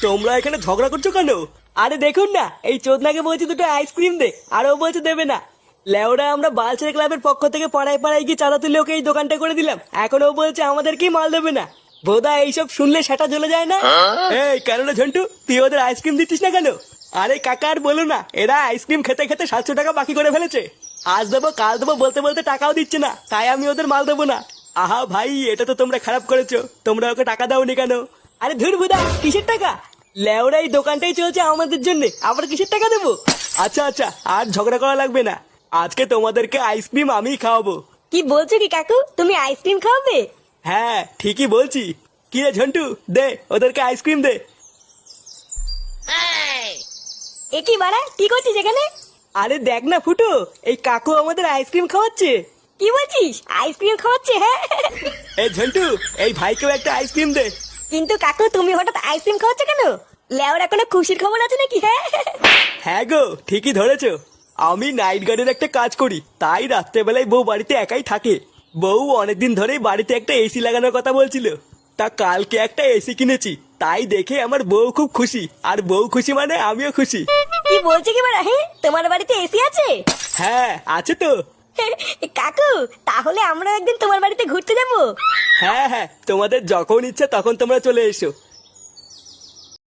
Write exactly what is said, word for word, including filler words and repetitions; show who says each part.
Speaker 1: তোমরা এখানে ঝগড়া করছো কেন? আরে দেখুন না, এই চোদনাকে বলছি দুটো আইসক্রিম দে, আর ও বলছে দেবে না। লেওরা আমরা বালছেড়ে ক্লাবের পক্ষ থেকে পাড়ায় পাড়ায় গিয়ে চাঁদা তুলে ওকে এই দোকানটা করে দিলাম, এখন ও বলছে আমাদেরকেই মাল দেবে না। বোধা এইসব শুনলে সেটা জ্বলে যায় না। এই কেন না ঝন্টু, তুই ওদের আইসক্রিম দিচ্ছিস না কেন? আরে কাকা আর বলো না, এরা আইসক্রিম খেতে খেতে সাতশো টাকা বাকি করে ফেলেছে। আজ দেবো কাল দেবো বলতে বলতে টাকাও দিচ্ছে না, তাই আমি ওদের মাল দেবো না। আহা ভাই, এটা তো তোমরা খারাপ করেছো, তোমরা ওকে টাকা দাওনি কেন? আরে ধুর বুদা, কিসের টাকা? লেওরা এই দোকানটাই চলছে আমাদের জন্য, আবার কিসের টাকা দেবো? আচ্ছা আচ্ছা, আর ঝগড়া করা লাগবে না, আজকে তোমাদেরকে আইসক্রিম আমিই খাওয়াবো।
Speaker 2: কি বলছো কি কাকু, তুমি আইসক্রিম খাওয়াবে?
Speaker 1: হ্যাঁ ঠিকই বলছি। কি রে ঝন্টু, দে ওদেরকে আইসক্রিম দে।
Speaker 2: এ কি বাড়া, কি করছিস এখানে?
Speaker 1: আরে দেখ না ফুটো, এই কাকু আমাদের আইসক্রিম খাওয়াচ্ছে।
Speaker 2: কি বলছিস, আইসক্রিম খাওয়াচ্ছে? হ্যাঁ।
Speaker 1: এই ঝন্টু, এই ভাইকেও একটা আইসক্রিম দে।
Speaker 2: কিন্তু কাকু তুমি হঠাৎ আইসক্রিম খাওয়াচ্ছ কেন? লেওরা কোনো খুশির খবর আছে নাকি? হ্যাঁ।
Speaker 1: হ্যাঁ গো, ঠিকই ধরেছো। আমি নাইট গার্ডের একটা কাজ করি, তাই রাত্রেবেলায় বউ বাড়িতে একাই থাকে। বউ অনেকদিন ধরেই বাড়িতে একটা এসি লাগানোর কথা বলছিল, তা কালকে একটা এসি কিনেছি, তাই দেখে আমার বউ খুব খুশি, আর বউ খুশি মানে আমিও খুশি।
Speaker 2: কি বলছো কি বাড়া, হ্যাঁ তোমার বাড়িতে এসি আছে?
Speaker 1: হ্যাঁ আছে তো।
Speaker 2: কাকু তাহলে আমরা একদিন তোমার বাড়িতে ঘুরতে যাবো।
Speaker 1: হ্যাঁ হ্যাঁ, তোমাদের যখন ইচ্ছা তখন তোমরা চলে এসো,